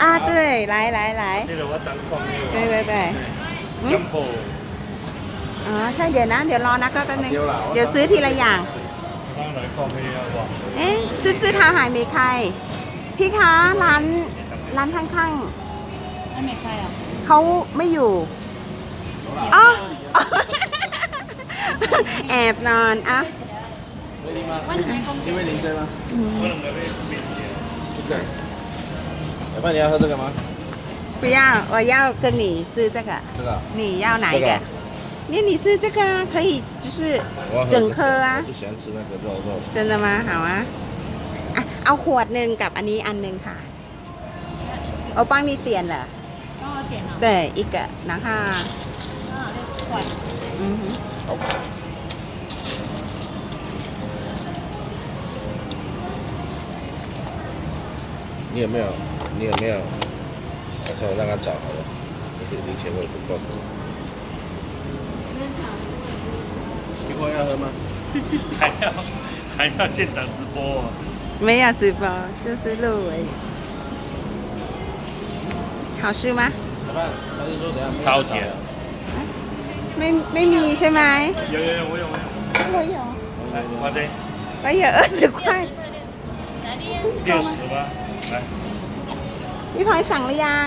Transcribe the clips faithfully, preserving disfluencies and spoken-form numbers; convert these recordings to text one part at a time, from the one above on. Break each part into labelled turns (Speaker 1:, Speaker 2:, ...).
Speaker 1: 啊，对，来来来，
Speaker 2: ที่เราว่าจังฟองนี่
Speaker 1: 对对对，
Speaker 2: จัมโบ้
Speaker 1: อ๋อใช่เดี๋ยวนะ เดี๋ยวรอนะก็แป๊บนึงเดี๋ยวซื้อทีละอย่าง
Speaker 2: ตั้งหลายฟองมีอะบอก
Speaker 1: เอ๊ะซื้อซื้อทาหายเมคไคพี่คะร้านร้านข้าง
Speaker 3: อันไหนใครอ่ะ
Speaker 1: ๆเขาไม่อยู่อ๋อ แอบนอนอ่ะ
Speaker 3: วันไหนคงเก็บ
Speaker 2: เมื่อไหร่จะไปปิดเนี่ย
Speaker 4: 老板，你要喝这个吗？
Speaker 1: 不要我要跟你吃这个
Speaker 4: 这个。
Speaker 1: 你要哪一个
Speaker 4: 这个
Speaker 1: นี่你吃这个啊可以就是
Speaker 4: 我要喝
Speaker 1: 整颗啊
Speaker 4: 我就喜欢吃那个肉肉。
Speaker 1: 真的吗好啊อ่ะเอาขวดหนึ่งกับอันนี้อันหนึ่งค่ะเอา帮你点了
Speaker 3: 帮我点了
Speaker 1: 对一个然后
Speaker 3: 刚好六十块
Speaker 1: 嗯哼
Speaker 4: 你有没有？你有没有？我看我让他找好了，那个零钱我也不够。一会要喝吗？
Speaker 2: 还要还要现场直播啊
Speaker 1: 没有直播就是录而已好吃吗
Speaker 4: 老板，他就说等下
Speaker 2: 超甜
Speaker 1: ไม่ไม่มีใช่ไหม
Speaker 2: 有有有我有我有
Speaker 1: 我有
Speaker 2: 来花姐
Speaker 1: 我有二十块
Speaker 3: 哪里
Speaker 2: 六十吧来
Speaker 1: พี่พลอยสั่งหรือยัง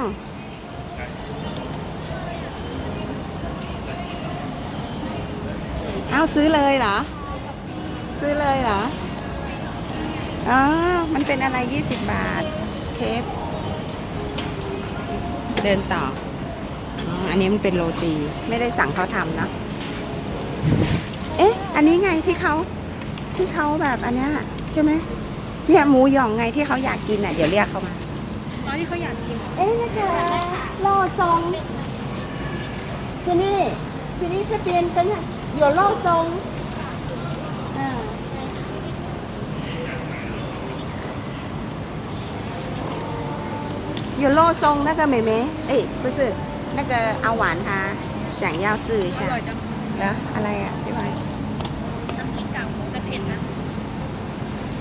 Speaker 1: เอาซื้อเลยเหรอ ซื้อเลยเหรอ อ๋อ มันเป็นอะไรยี่สิบบาท เคฟเดินต่ออ๋ออันนี้มันเป็นโรตี ไม่ได้สั่งเขาทำเนอะเอ๊ะ อันนี้ไงที่เขาที่เขาแบบอันเนี้ยใช่ไหมเนี่ยหมูหยองไงที่เขาอยากกินอ่ะ เดี๋ยวเรียกเขามา
Speaker 3: อ๋อที่เขาอยากกิน
Speaker 1: เอ๊ะนะคะโลซงที่นี่ที่นี่จะเป็นเป็น有肉松嗯有肉松那个妹妹哎不是那个阿婉她想要试一下
Speaker 3: อร่อยจัง
Speaker 1: เหรออะไรอ่ะพี่ไว้